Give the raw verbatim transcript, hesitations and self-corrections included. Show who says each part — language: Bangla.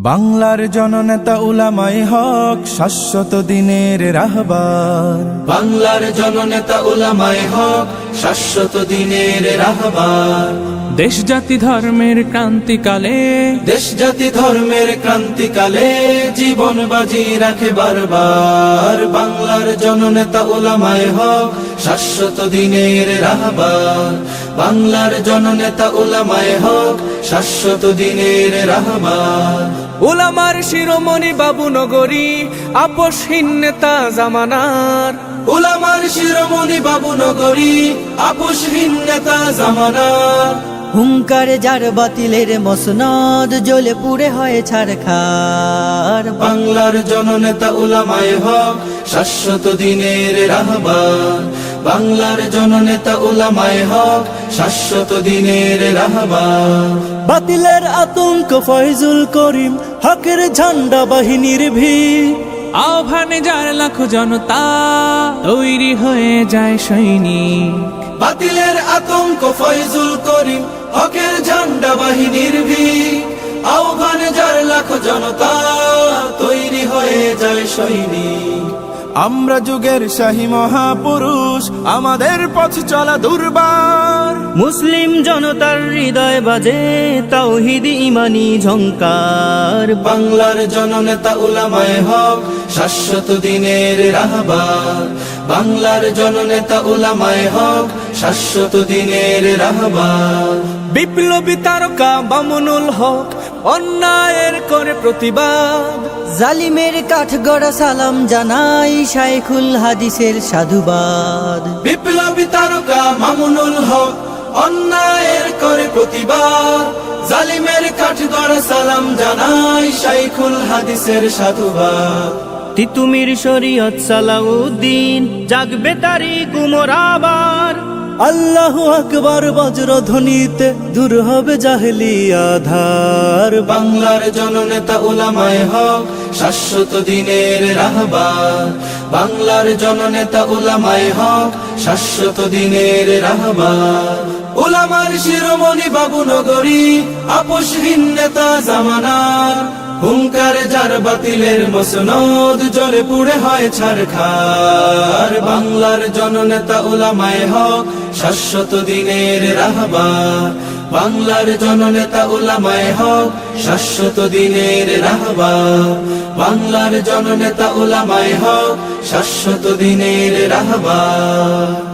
Speaker 1: বাংলার জননেতা উলামায়ে হক শাশ্বত দিনের রাহবার।
Speaker 2: বাংলার জননেতা উলামায়ে হক শাশ্বত দিনের রাহবার।
Speaker 3: দেশ জাতি ধর্মের ক্রান্তিকালে
Speaker 2: দেশ জাতি ধর্মের ক্রান্তিকালে জীবন বাজি রাখে বারবার। বাংলার জননেতা উলামায়ে হক শাশ্বত দিনের রাহবার। বাংলার জননেতা উলামায়ে হক শাশ্বত দিনের রাহবার।
Speaker 3: উলামার শিরোমণি বাবু নগরী আপোষহীন নেতা জামানার।
Speaker 2: উলামার শিরোমণি বাবু নগরী আপোষহীন নেতা জামানার।
Speaker 4: হুঙ্কারে যার বাতিলের মসনদ জ্বলে পুড়ে হয় ছারখার।
Speaker 2: বাংলার জননেতা উলামায়ে হক শাশ্বত দিনের রাহবার। বাংলার জননেতা উলামায়ে হক শাশ্বত দিনের রাহবার।
Speaker 4: বাতিলের আতঙ্ক ফয়জুল করিম হকের ঝান্ডা বাহিনীর ভিড়।
Speaker 3: আহ্বানে যার লাখো জনতা তৈরি হয়ে যায় সৈনিক।
Speaker 2: বাতিলের আতঙ্ক ফয়জুল করিম হকের ঝান্ডা বাহিনীর ভিড়। আহ্বানে যার লাখো জনতা তৈরি হয়ে যায় সৈনিক।
Speaker 1: আমরা যুগের শাহী মহাপুরুষ, আমাদের পথ চলা দুর্বার।
Speaker 4: মুসলিম জনতার হৃদয় বাজে তাওহীদ ইমানি ঝংকার।
Speaker 2: বাংলার জননেতা উলামায়ে হক শাশ্বত দিনের রাহবার। বাংলার জননেতা উলামায়ে হক শাশ্বত দিনের রাহবার।
Speaker 3: বিপ্লবী তারকা মামুনুল হক অন্যায়ের করে প্রতিবাদ।
Speaker 4: জালিমের কাঠগড়া সালাম জানাই শাইখুল হাদিসের সাধুবাদ।
Speaker 2: বিপ্লবী তারকা মামুনুল হক অন্যায়ের করে প্রতিবাদ। জালিমের কাঠগড়া সালাম জানাই শাইখুল হাদিসের সাধুবাদ।
Speaker 4: তিতুমির শরীয়ত সালাউদ্দিন জাগবে তারি কুমোর আবার। আল্লাহু আকবার বজ্রধ্বনিতে দূর হবে জাহেলি আধার।
Speaker 2: বাংলার জননেতা উলামায়ে হক শাশ্বত দিনের রাহবার। বাংলার জননেতা উলামায়ে হক শাশ্বত দিনের রাহবার। উলামার শিরোমণি বাবু নগরী আপোষহীন নেতা জামানার। হুঙ্কারে যার বাতিলের মসনদ জ্বলে পুড়ে হয় ছারখার। বাংলার জননেতা উলামায়ে হক শাশ্বত দিনের রাহবার। বাংলার জননেতা উলামায়ে হক শাশ্বত দিনের রাহবার। বাংলার জননেতা উলামায়ে হক শাশ্বত দিনের রাহবার।